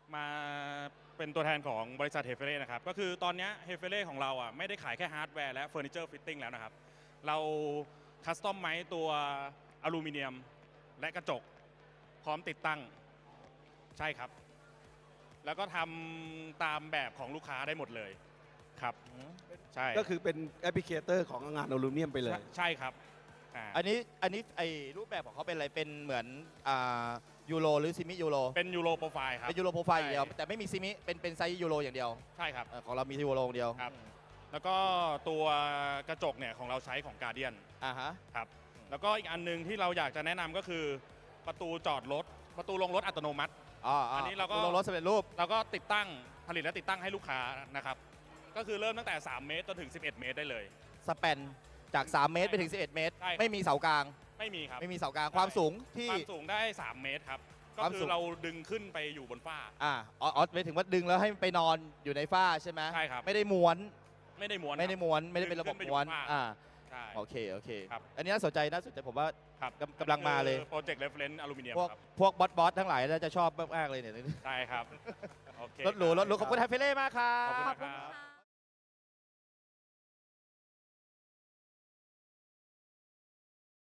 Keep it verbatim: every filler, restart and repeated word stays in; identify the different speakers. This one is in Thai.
Speaker 1: มาเป็นตัวแทนของบริษัทเฮเฟเล่นะครับก็คือตอนนี้เฮเฟเล่ของเราอ่ะไม่ได้ขายแค่ฮาร์ดแวร์และเฟอร์นิเจอร์ฟิตติ้งแล้วนะครับเราคัสตอมไมซ์ตัวอลูมิเนียมและกระจกพร้อมติดตั้งใช่ครับแล้วก็ทำตามแบบของลูกค้าได้หมดเลยครับใช่
Speaker 2: ก็คือเป็นแอปพลิเคเตอร์ของงานอลูมิเนียมไปเลย
Speaker 1: ใช่ครับอ่า
Speaker 3: อันนี้อันนี้ไอรูปแบบของเขาเป็นอะไรเป็นเหมือนอ่ายูโรหรือซิมิยูโร
Speaker 1: เป็นยูโรโปรไฟล์ครับ
Speaker 3: เป็นยูโรโปรไฟล์อย่างเดียว
Speaker 1: ใช่
Speaker 3: แต่ไม่มีซิมิเป็นเป็นไซส์ยูโรอย่างเดียว
Speaker 1: ใช่ครับ
Speaker 3: เอ่อของเรามียูโรอย่างเดียว
Speaker 1: ครับ แล้วก็ตัวกระจกเนี่ยของเราใช้ของการเดียน
Speaker 3: อ่าฮะ
Speaker 1: ครับแล้วก็อีกอันหนึงที่เราอยากจะแนะนำก็คือประตูจอดรถประตูลงรถอัตโนมัติ
Speaker 3: อ๋อ
Speaker 1: อั
Speaker 3: อั
Speaker 1: นนี้เราก็
Speaker 3: ลงรถสำเร็จรูป
Speaker 1: เราก็ติดตั้งผลิตและติดตั้งให้ลูกค้านะครับก็คือเริ่มตั้งแต่สามเมตรจนถึงสิบเอ็ดเมตรได้เลย
Speaker 3: สเปนจากสามเมตรไปถึงสิบเอ็ดเมตร
Speaker 1: ใช่ครับ
Speaker 3: ไม่มีเสากลาง
Speaker 1: ไม่มีครับ
Speaker 3: ไม่มีเสากลางความสูงที่
Speaker 1: ความสูงได้สามเมตรครับก็
Speaker 3: ความ
Speaker 1: คื
Speaker 3: สู
Speaker 1: อง เราดึงขึ้นไปอยู่บนฝ้า
Speaker 3: อ่าอ๋ออ๋อไปถึงว่าดึงแล้วให้ไปนอนอยู่ในฝ้าใช่ไหม
Speaker 1: ใช่ครับ
Speaker 3: ไม่ได้ม้วน
Speaker 1: ไม่ได้ม้วน
Speaker 3: ไม่ได้
Speaker 1: ครับ
Speaker 3: ม้วนไม่ได้เป็นระบบ
Speaker 1: ขึ้นไปอยู่
Speaker 3: ม้วน
Speaker 1: บนฝ้า
Speaker 3: อ่า
Speaker 1: ใช่
Speaker 3: โอเคโอเค
Speaker 1: ครับ
Speaker 3: อันนี้น่าสนใจน่าสนใจผมว่า
Speaker 1: ครับ
Speaker 3: กำกำลังมาเลย
Speaker 1: โปรเจกต์เรฟเฟรนซ์อลูมิเนียม
Speaker 3: พวก
Speaker 1: ครับ
Speaker 3: พวกบอสบอสทั้งหลายน่าจะชอบมากๆเลยเนี่ย
Speaker 1: ใช่ครับโอเค
Speaker 3: รถหรูรถหรูขอบคุณไฮเฟเล่มากครั
Speaker 1: ขอบคุณ
Speaker 3: บ
Speaker 1: นะครับ
Speaker 4: ค่ะ